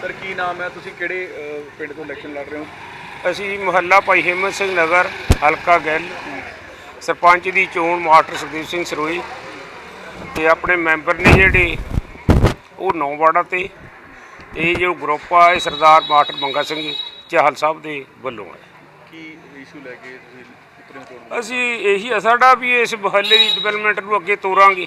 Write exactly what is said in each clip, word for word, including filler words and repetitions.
Sir की नाम है, तुसी किहड़े पिंड तो इलैक्शन लड़ रहे हो? ਅਸੀਂ ਮੁਹੱਲਾ ਭਾਈ ਹਿੰਮਤ ਸਿੰਘ ਨਗਰ ਹਲਕਾ ਗਿੱਲ ਸਰਪੰਚ ਦੀ ਚੋਣ ਮਾਸਟਰ ਸੁਖਦੇਵ ਸਿੰਘ ਸਰੋਈ ਤੇ ਆਪਣੇ ਮੈਂਬਰ ਨੇ ਜਿਹੜੇ ਉਹ ਨੌ ਵਾਰਡਾਂ ਤੇ ਇਹ ਜੋ ਗਰੁੱਪ ਆ ਇਹ ਸਰਦਾਰ ਮਾਸਟਰ ਮੰਗਾ ਸਿੰਘ ਚਾਹਲ ਸਾਹਿਬ ਦੇ ਵੱਲੋਂ ਹੈ। ਕੀ ਇਸ਼ੂ ਲੈ ਕੇ ਤੁਸੀਂ ਉਤਰੇ ਹੋ ਚੋਣ? ਅਸੀਂ ਇਹੀ ਆ ਸਾਡਾ ਵੀ ਇਸ ਮੁਹੱਲੇ ਦੀ ਡਿਵੈਲਪਮੈਂਟ ਨੂੰ ਅੱਗੇ ਤੋਰਾਂਗੇ,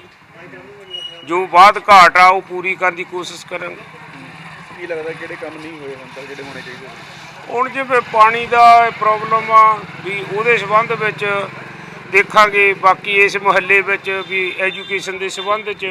ਜੋ ਬਾਅਦ ਘਾਟ ਆ ਉਹ ਪੂਰੀ ਕਰਨ ਦੀ ਕੋਸ਼ਿਸ਼ ਕਰਾਂਗੇ। ਕੀ ਲੱਗਦਾ ਕਿਹੜੇ ਕੰਮ ਨਹੀਂ ਹੋਏ ਹੁਣ ਤੱਕ ਜਿਹੜੇ ਹੋਣੇ ਚਾਹੀਦੇ? ਹੁਣ ਜਿਵੇਂ ਪਾਣੀ ਦਾ ਪ੍ਰੋਬਲਮ ਆ ਵੀ ਉਹਦੇ ਸੰਬੰਧ ਵਿੱਚ ਦੇਖਾਂਗੇ, ਬਾਕੀ ਇਸ ਮੁਹੱਲੇ ਵਿੱਚ ਵੀ ਐਜੂਕੇਸ਼ਨ ਦੇ ਸੰਬੰਧ 'ਚ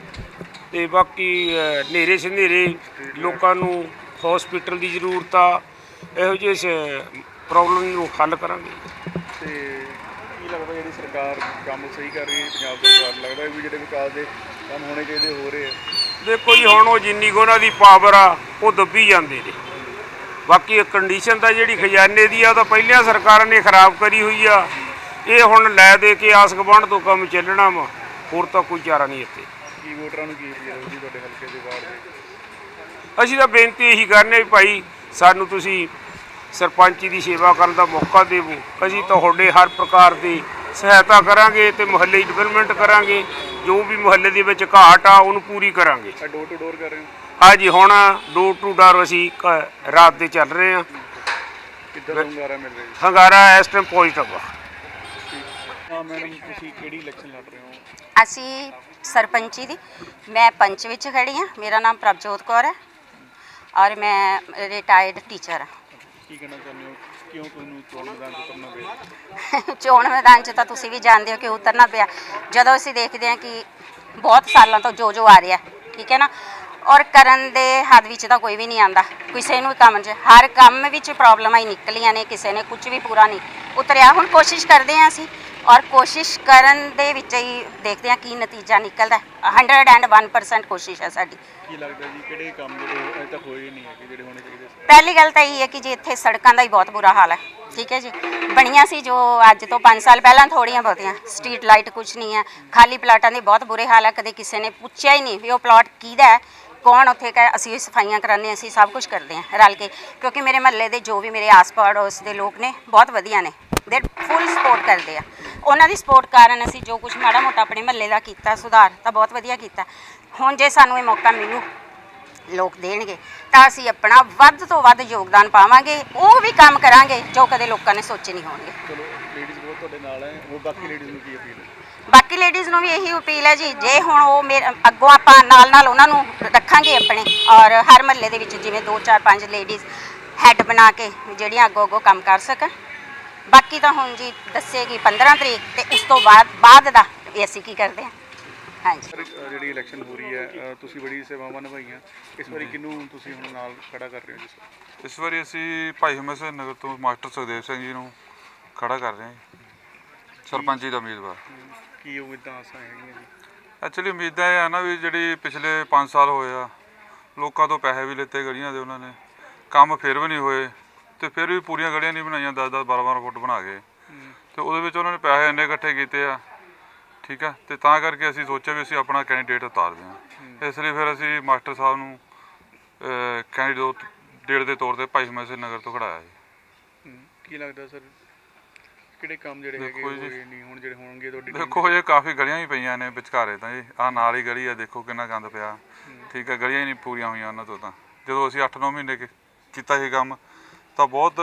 ਤੇ ਬਾਕੀ ਹਨੇਰੇ ਸੰਧੇਰੇ ਲੋਕਾਂ ਨੂੰ ਹੌਸਪੀਟਲ ਦੀ ਜ਼ਰੂਰਤ ਆ, ਇਹੋ ਜਿਹੇ ਪ੍ਰੋਬਲਮ ਨੂੰ ਹੱਲ ਕਰਾਂਗੇ। ਤੇ ਕੀ ਲੱਗਦਾ ਜਿਹੜੀ ਸਰਕਾਰ ਕੰਮ ਸਹੀ ਕਰ ਰਹੀ ਹੈ ਪੰਜਾਬ ਸਰਕਾਰ, ਲੱਗਦਾ ਵੀ ਜਿਹੜੇ ਵਿਕਾਸ ਦੇ ਕੰਮ ਹੋਣੇ ਚਾਹੀਦੇ ਹੋ ਰਹੇ ਆ? ਦੇਖੋ ਜੀ ਹੁਣ ਉਹ ਜਿੰਨੀ ਕੁ ਉਹਨਾਂ ਦੀ ਪਾਵਰ ਆ ਉਹ ਦੱਬੀ ਜਾਂਦੇ ਨੇ, ਬਾਕੀ ਕੰਡੀਸ਼ਨ ਤਾਂ ਜਿਹੜੀ ਖਜ਼ਾਨੇ ਦੀ ਆ ਉਹ ਤਾਂ ਪਹਿਲੀਆਂ ਸਰਕਾਰਾਂ ਨੇ ਖਰਾਬ ਕਰੀ ਹੋਈ ਆ, ਇਹ ਹੁਣ ਲੈ ਦੇ ਕੇ ਆਸ ਗੁਆਂਢ ਤੋਂ ਕੰਮ ਚੱਲਣਾ ਵਾ, ਹੋਰ ਤਾਂ ਕੋਈ ਚਾਰਾ ਨਹੀਂ ਇੱਥੇ। ਕੀ ਵੋਟਰਾਂ ਨੂੰ ਕੀ ਅਪੀਲ ਹੋਊਗੀ ਤੁਹਾਡੇ ਹਲਕੇ ਦੇ ਵਾਰਡ ਦੇ? ਅਸੀਂ ਤਾਂ ਬੇਨਤੀ ਇਹੀ ਕਰਨੇ ਵੀ ਭਾਈ ਸਾਨੂੰ ਤੁਸੀਂ ਸਰਪੰਚੀ ਦੀ ਸੇਵਾ ਕਰਨ ਦਾ ਮੌਕਾ ਦੇਵੋ, ਅਸੀਂ ਤੁਹਾਡੇ ਹਰ ਪ੍ਰਕਾਰ ਦੀ ਸਹਾਇਤਾ ਕਰਾਂਗੇ ਤੇ ਮੁਹੱਲੇ ਦੀ ਡਿਵੈਲਪਮੈਂਟ ਕਰਾਂਗੇ, ਜੋ ਵੀ ਮੁਹੱਲੇ ਦੇ ਵਿੱਚ ਘਾਟ ਆ ਉਹਨੂੰ ਪੂਰੀ ਕਰਾਂਗੇ। ਡੋਰ ਟੂ ਡੋਰ ਕਰ ਰਹੇ ਹੋ? ਹਾਂਜੀ ਹੁਣ ਡੋਰ ਟੂ ਡੋਰ ਅਸੀਂ ਕ- ਰਾਤ ਦੇ ਚੱਲ ਰਹੇ ਹਾਂ। ਕਿੱਦਾਂ ਦਾ ਹੁੰਗਾਰਾ ਮਿਲ ਰਿਹਾ ਜੀ? ਹੰਗਾਰਾ ਇਸ ਟਾਈਮ ਪੋਜ਼ਿਟਿਵ ਆ। ਹਾਂ ਮੈਡਮ, ਤੁਸੀਂ ਕਿਹੜੀ ਇਲੈਕਸ਼ਨ ਲੜ ਰਹੇ ਹੋ? ਅਸੀਂ ਸਰਪੰਚੀ ਦੀ, ਮੈਂ ਪੰਚ ਵਿੱਚ ਖੜੀ ਹਾਂ। ਮੇਰਾ ਨਾਮ ਪ੍ਰਭਜੋਤ ਕੌਰ ਹੈ ਔਰ ਮੈਂ ਰਿਟਾਇਰਡ ਟੀਚਰ ਹਾਂ। ਕੀ ਕਹਿਣਾ ਚਾਹੁੰਦੇ ਹੋ, ਕਿਉਂ ਤੁਹਾਨੂੰ ਚੋਣ ਮੈਦਾਨ 'ਚ ਉਤਰਨਾ ਪਿਆ? ਚੋਣ ਮੈਦਾਨ 'ਚ ਤਾਂ ਤੁਸੀਂ ਵੀ ਜਾਣਦੇ ਹੋ ਕਿ ਉਤਰਨਾ ਪਿਆ, ਜਦੋਂ ਅਸੀਂ ਦੇਖਦੇ ਹਾਂ ਕਿ ਬਹੁਤ ਸਾਲਾਂ ਤੋਂ ਜੋ ਜੋ ਆ ਰਿਹਾ, ਠੀਕ ਹੈ ਨਾ, ਔਰ ਕਰਨ ਦੇ ਹੱਦ ਵਿੱਚ ਤਾਂ ਕੋਈ ਵੀ ਨਹੀਂ ਆਉਂਦਾ, ਕਿਸੇ ਨੂੰ ਵੀ ਕੰਮ 'ਚ ਹਰ ਕੰਮ ਵਿੱਚ ਪ੍ਰੋਬਲਮਾਂ ਹੀ ਨਿਕਲੀਆਂ ਨੇ, ਕਿਸੇ ਨੇ ਕੁਝ ਵੀ ਪੂਰਾ ਨਹੀਂ ਉਤਰਿਆ। ਹੁਣ ਕੋਸ਼ਿਸ਼ ਕਰਦੇ ਹਾਂ ਅਸੀਂ, ਔਰ ਕੋਸ਼ਿਸ਼ ਕਰਨ ਦੇ ਵਿੱਚ ਹੀ ਦੇਖਦੇ ਹਾਂ ਕੀ ਨਤੀਜਾ ਨਿਕਲਦਾ। ਹੰਡਰਡ ਐਂਡ ਵਨ ਪਰਸੈਂਟ ਕੋਸ਼ਿਸ਼ ਹੈ ਸਾਡੀ। ਕੀ ਲੱਗਦਾ ਜੀ ਕਿਹੜੇ ਕੰਮ ਜਿਹੜੇ ਅਜੇ ਤੱਕ ਹੋਏ ਨਹੀਂ ਹੈਗੇ ਜਿਹੜੇ ਹੋਣੇ ਚਾਹੀਦੇ ਸੀ? ਪਹਿਲੀ ਗੱਲ ਤਾਂ ਇਹ ਹੈ ਕਿ ਜੀ ਇੱਥੇ ਸੜਕਾਂ ਦਾ ਹੀ ਬਹੁਤ ਬੁਰਾ ਹਾਲ ਹੈ, ਠੀਕ ਹੈ ਜੀ। ਬਣੀਆਂ ਸੀ ਜੋ ਅੱਜ ਤੋਂ ਪੰਜ ਸਾਲ ਪਹਿਲਾਂ ਥੋੜ੍ਹੀਆਂ ਬਹੁਤੀਆਂ, ਸਟਰੀਟ ਲਾਈਟ ਕੁਛ ਨਹੀਂ ਹੈ, ਖਾਲੀ ਪਲਾਟਾਂ ਦੇ ਬਹੁਤ ਬੁਰੇ ਹਾਲ ਹੈ। ਕਦੇ ਕਿਸੇ ਨੇ ਪੁੱਛਿਆ ਹੀ ਨਹੀਂ ਵੀ ਉਹ ਪਲਾਟ ਕਿਹਦਾ ਹੈ, ਕੌਣ ਉੱਥੇ ਕਹੇ। ਅਸੀਂ ਵੀ ਸਫਾਈਆਂ ਕਰਾਉਂਦੇ, ਅਸੀਂ ਸਭ ਕੁਝ ਕਰਦੇ ਹਾਂ ਰਲ ਕੇ, ਕਿਉਂਕਿ ਮੇਰੇ ਮਹੱਲੇ ਦੇ ਜੋ ਵੀ ਮੇਰੇ ਆਸ ਪੜੋਸ ਦੇ ਲੋਕ ਨੇ ਬਹੁਤ ਵਧੀਆ ਨੇ, ਦੇ ਫੁੱਲ ਸਪੋਰਟ ਕਰਦੇ ਆ। ਉਹਨਾਂ ਦੀ ਸਪੋਰਟ ਕਾਰਨ ਅਸੀਂ ਜੋ ਕੁਝ ਮਾੜਾ ਮੋਟਾ ਆਪਣੇ ਮਹੱਲੇ ਦਾ ਕੀਤਾ ਸੁਧਾਰ ਤਾਂ ਬਹੁਤ ਵਧੀਆ ਕੀਤਾ। ਹੁਣ ਜੇ ਸਾਨੂੰ ਇਹ ਮੌਕਾ ਮਿਲੂ, ਲੋਕ ਦੇਣਗੇ ਤਾਂ ਅਸੀਂ ਆਪਣਾ ਵੱਧ ਤੋਂ ਵੱਧ ਯੋਗਦਾਨ ਪਾਵਾਂਗੇ, ਉਹ ਵੀ ਕੰਮ ਕਰਾਂਗੇ ਜੋ ਕਦੇ ਲੋਕਾਂ ਨੇ ਸੋਚੇ ਨਹੀਂ ਹੋਣਗੇ। ਚਲੋ ਲੇਡੀਜ਼ ਬਹੁਤ ਤੁਹਾਡੇ ਨਾਲ ਹੈ, ਉਹ ਬਾਕੀ ਲੇਡੀਜ਼ ਨੂੰ ਕੀ ਅਪੀਲ ਹੈ? ਬਾਕੀ ਲੇਡੀਜ਼ ਨੂੰ ਵੀ ਇਹੀ ਅਪੀਲ ਹੈ ਜੀ, ਜੇ ਹੁਣ ਉਹ ਮੇਰੇ ਅੱਗੋਂ ਆਪਾਂ ਨਾਲ ਨਾਲ ਉਹਨਾਂ ਨੂੰ ਰੱਖਾਂਗੇ ਆਪਣੇ, ਔਰ ਹਰ ਮਹੱਲੇ ਦੇ ਵਿੱਚ ਜਿਵੇਂ ਦੋ ਚਾਰ ਪੰਜ ਲੇਡੀਜ਼ ਹੈੱਡ ਬਣਾ ਕੇ ਜਿਹੜੀਆਂ ਅੱਗੋਂ ਅੱਗੋਂ ਕੰਮ ਕਰ ਸਕਣ। ਬਾਕੀ ਤਾਂ ਹੁਣ ਜੀ ਦੱਸੇਗੀ ਪੰਦਰਾਂ ਤਰੀਕ ਤੇ ਉਸ ਤੋਂ ਬਾਅਦ ਬਾਅਦ ਦਾ ਇਹ ਅਸੀਂ ਕੀ ਕਰਦੇ ਹਾਂ। ਹਾਂਜੀ ਸਰ ਜਿਹੜੀ ਇਲੈਕਸ਼ਨ ਹੋ ਰਹੀ ਹੈ, ਤੁਸੀਂ ਬੜੀ ਸੇਵਾਵਾਂ ਨਿਭਾਈਆਂ, ਇਸ ਵਾਰੀ ਕਿਹਨੂੰ ਤੁਸੀਂ ਹੁਣ ਨਾਲ ਖੜਾ ਕਰ ਰਹੇ ਹੋ ਜੀ? ਇਸ ਵਾਰੀ ਅਸੀਂ ਭਾਈ ਹਿੰਮਤ ਸਿੰਘ ਨਗਰ ਤੋਂ ਮਾਸਟਰ ਸੁਖਦੇਵ ਸਿੰਘ ਜੀ ਨੂੰ ਖੜਾ ਕਰ ਰਹੇ ਹਾਂ ਜੀ, ਸਰਪੰਚੀ ਦਾ ਉਮੀਦਵਾਰ। ਕੀ ਉਮੀਦਾਂ ਆਸਾਂ ਹੈਗੀਆਂ ਜੀ? ਐਕਚੁਅਲੀ ਉਮੀਦਾਂ ਇਹ ਆ ਨਾ ਵੀ ਜਿਹੜੀ ਪਿਛਲੇ ਪੰਜ ਸਾਲ ਹੋਏ ਆ, ਲੋਕਾਂ ਤੋਂ ਪੈਸੇ ਵੀ ਲਿੱਤੇ ਗਲੀਆਂ ਦੇ ਉਹਨਾਂ ਨੇ, ਕੰਮ ਫਿਰ ਵੀ ਨਹੀਂ ਹੋਏ, ਤੇ ਫਿਰ ਵੀ ਪੂਰੀਆਂ ਗਲੀਆਂ ਨਹੀਂ ਬਣਾਈਆਂ, ਦਸ ਦਸ ਬਾਰਾਂ ਬਾਰਾਂ ਫੁੱਟ ਬਣਾ ਕੇ, ਤੇ ਉਹਦੇ ਵਿੱਚ ਉਹਨਾਂ ਨੇ ਪੈਸੇ ਇੰਨੇ ਇਕੱਠੇ ਕੀਤੇ ਆ, ਠੀਕ ਆ। ਤੇ ਤਾਂ ਕਰਕੇ ਅਸੀਂ ਸੋਚਿਆ ਵੀ ਅਸੀਂ ਆਪਣਾ ਕੈਂਡੀਡੇਟ ਉਤਾਰਦੇ ਹਾਂ, ਇਸ ਲਈ ਫਿਰ ਅਸੀਂ ਮਾਸਟਰ ਸਾਹਿਬ ਨੂੰ ਕੈਂਡੀਡੇਟ ਦੇ ਤੌਰ ਤੇ ਭਾਈ ਹਿੰਮਤ ਸਿੰਘ ਨਗਰ ਤੋਂ ਖੜਾਇਆ ਜੀ। ਕੀ ਲੱਗਦਾ ਸਰ ਕਿਹੜੇ ਕੰਮ ਜਿਹੜੇ ਹੈਗੇ ਦੇਖੋ ਜੀ, ਹੋਏ ਨਹੀਂ, ਹੁਣ ਜਿਹੜੇ ਹੋਣਗੇ ਤੁਹਾਡੀ? ਦੇਖੋ ਇਹ ਕਾਫੀ ਗਲੀਆਂ ਹੀ ਪਈਆਂ ਨੇ ਵਿਚਕਾਰੇ ਤਾਂ ਜੀ, ਆਹ ਨਾਲ ਹੀ ਗਲੀ ਆ, ਦੇਖੋ ਕਿੰਨਾ ਗੰਦ ਪਿਆ, ਠੀਕ ਆ। ਗਲੀਆਂ ਹੀ ਨਹੀਂ ਪੂਰੀਆਂ ਹੋਈਆਂ ਉਹਨਾਂ ਤੋਂ ਤਾਂ, ਜਦੋਂ ਅਸੀਂ ਅੱਠ ਨੌ ਮਹੀਨੇ ਕੀਤਾ ਇਹ ਕੰਮ ਤਾਂ ਬਹੁਤ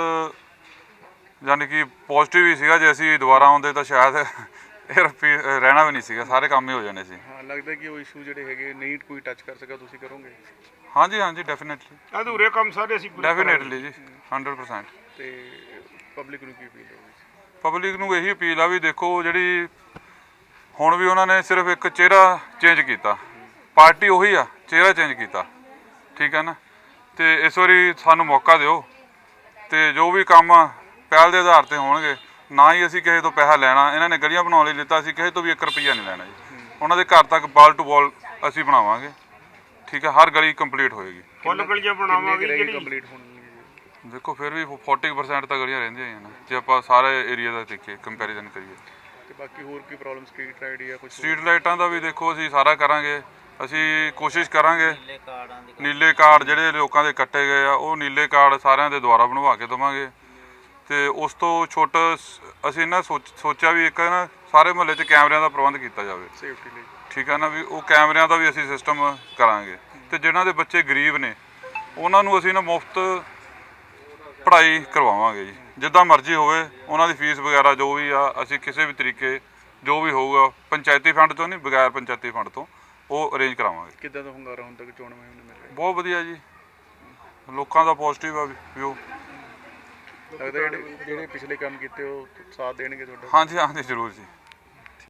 ਯਾਨੀ ਕਿ ਪੋਜ਼ਿਟਿਵ ਹੀ ਸੀਗਾ। ਜੇ ਅਸੀਂ ਦੁਬਾਰਾ ਆਉਂਦੇ ਤਾਂ ਸ਼ਾਇਦ ਇਹ ਰਪੀ ਰਹਿਣਾ ਵੀ ਨਹੀਂ ਸੀਗਾ, ਸਾਰੇ ਕੰਮ ਹੀ ਹੋ ਜਾਣੇ ਸੀ। ਹਾਂ, ਲੱਗਦਾ ਕਿ ਉਹ ਇਸ਼ੂ ਜਿਹੜੇ ਹੈਗੇ ਨਹੀਂ ਕੋਈ ਟੱਚ ਕਰ ਸਕਿਆ, ਤੁਸੀਂ ਕਰੋਗੇ? ਹਾਂਜੀ ਹਾਂਜੀ ਡੈਫੀਨੇਟਲੀ ਅਧੂਰੇ ਕੰਮ ਸਾਰੇ ਅਸੀਂ ਪੂਰੇ ਡੈਫੀਨੇਟਲੀ ਜੀ, ਹੰਡਰਡ ਪਰਸੈਂਟ। ਤੇ ਪਬਲਿਕ ਨੂੰ ਕੀ ਅਪੀਲ ਹੋਊਗੀ? ਪਬਲਿਕ ਨੂੰ ਇਹੀ ਅਪੀਲ ਆ ਵੀ ਦੇਖੋ ਜਿਹੜੀ ਹੁਣ ਵੀ ਉਹਨਾਂ ਨੇ ਸਿਰਫ ਇੱਕ ਚਿਹਰਾ ਚੇਂਜ ਕੀਤਾ, ਪਾਰਟੀ ਉਹੀ ਆ, ਚਿਹਰਾ ਚੇਂਜ ਕੀਤਾ, ਠੀਕ ਹੈ ਨਾ। ਤੇ ਇਸ ਵਾਰੀ ਸਾਨੂੰ ਮੌਕਾ ਦਿਓ, ਤੇ ਜੋ ਵੀ ਕੰਮ ਆ ਪਹਿਲ ਦੇ ਆਧਾਰ ਤੇ ਹੋਣਗੇ। ਨਾ ਹੀ ਅਸੀਂ ਕਿਸੇ ਤੋਂ ਪੈਸਾ ਲੈਣਾ, ਇਹਨਾਂ ਨੇ ਗਲੀਆਂ ਬਣਾਉਣ ਲਈ ਲਿੱਤਾ, ਅਸੀਂ ਕਿਸੇ ਤੋਂ ਵੀ ਇੱਕ ਰੁਪਈਆ ਨਹੀਂ ਲੈਣਾ ਜੀ। ਉਹਨਾਂ ਦੇ ਘਰ ਤੱਕ ਬਾਲ ਟੂ ਬਾਲ ਅਸੀਂ ਬਣਾਵਾਂਗੇ, ਠੀਕ ਹੈ। ਹਰ ਗਲੀ ਕੰਪਲੀਟ ਹੋਏਗੀ, ਫੁੱਲ ਗਲੀਆਂ ਬਣਾਵਾਂਗੇ ਜਿਹੜੀ ਕੰਪਲੀਟ ਹੋਣੀ। ਦੇਖੋ ਫਿਰ ਵੀ ਚਾਲੀ ਪਰਸੈਂਟ ਤਾਂ ਗਲੀਆਂ ਰਹਿੰਦੀਆਂ ਹੀ ਨੇ ਜੇ ਆਪਾਂ ਸਾਰੇ ਏਰੀਆ ਦਾ ਦੇਖੀਏ, ਕੰਪੈਰੀਜ਼ਨ ਕਰੀਏ। ਤੇ ਬਾਕੀ ਹੋਰ ਕੀ ਪ੍ਰੋਬਲਮ, ਸਟਰੀਟ ਲਾਈਟ ਜਾਂ ਕੁਝ? ਸਟਰੀਟ ਲਾਈਟਾਂ ਦਾ ਵੀ ਦੇਖੋ ਅਸੀਂ ਸਾਰਾ ਕਰਾਂਗੇ, ਅਸੀਂ ਕੋਸ਼ਿਸ਼ ਕਰਾਂਗੇ ਨੀਲੇ ਕਾਰਡ ਜਿਹੜੇ ਲੋਕਾਂ ਦੇ ਕੱਟੇ ਗਏ ਆ ਉਹ ਨੀਲੇ ਕਾਰਡ ਸਾਰਿਆਂ ਦੇ ਦੁਆਰਾ ਬਣਵਾ ਕੇ ਦੇਵਾਂਗੇ। ਤੇ ਉਸ ਤੋਂ ਛੋਟਾ ਸ- ਅਸੀਂ ਨਾ ਸੋਚ ਸੋਚਿਆ ਵੀ ਇੱਕ ਨਾ ਸਾਰੇ ਮੁਹੱਲੇ 'ਚ ਕੈਮਰਿਆਂ ਦਾ ਪ੍ਰਬੰਧ ਕੀਤਾ ਜਾਵੇ, ਸੇਫਟੀ ਲਈ। ਠੀਕ ਹੈ ਨਾ, ਵੀ ਉਹ ਕੈਮਰਿਆਂ ਦਾ ਵੀ ਅਸੀਂ ਸਿਸਟਮ ਕਰਾਂਗੇ। ਤੇ ਜਿਨ੍ਹਾਂ ਦੇ ਬੱਚੇ ਗਰੀਬ ਨੇ ਉਹਨਾਂ ਨੂੰ ਅਸੀਂ ਨਾ ਮੁਫਤ ਪੜ੍ਹਾਈ ਕਰਵਾਵਾਂਗੇ ਜੀ, ਜਿੱਦਾਂ ਮਰਜ਼ੀ ਹੋਵੇ ਉਹਨਾਂ ਦੀ ਫੀਸ ਵਗੈਰਾ ਜੋ ਵੀ ਆ ਅਸੀਂ ਕਿਸੇ ਵੀ ਤਰੀਕੇ ਜੋ ਵੀ ਹੋਊਗਾ ਪੰਚਾਇਤੀ ਫੰਡ ਤੋਂ ਨਹੀਂ, ਬਗੈਰ ਪੰਚਾਇਤੀ ਫੰਡ ਤੋਂ ਉਹ ਅਰੇਂਜ ਕਰਾਵਾਂਗੇ। ਕਿੱਦਾਂ ਦਾ ਹੁੰਗਾਰਾ ਹੁਣ ਤੱਕ ਚੋਣ ਮੁਹਿੰਮ ਨੂੰ ਮਿਲ ਰਿਹਾ? ਬਹੁਤ ਵਧੀਆ ਜੀ, ਲੋਕਾਂ ਦਾ ਪੋਜ਼ਿਟਿਵ ਆ ਵਿਊ। ਲੱਗਦਾ ਜਿਹੜੇ ਜਿਹੜੇ ਪਿਛਲੇ ਕੰਮ ਕੀਤੇ ਉਹ ਸਾਥ ਦੇਣਗੇ ਤੁਹਾਡਾ? ਹਾਂਜੀ ਹਾਂਜੀ ਜ਼ਰੂਰ ਜੀ।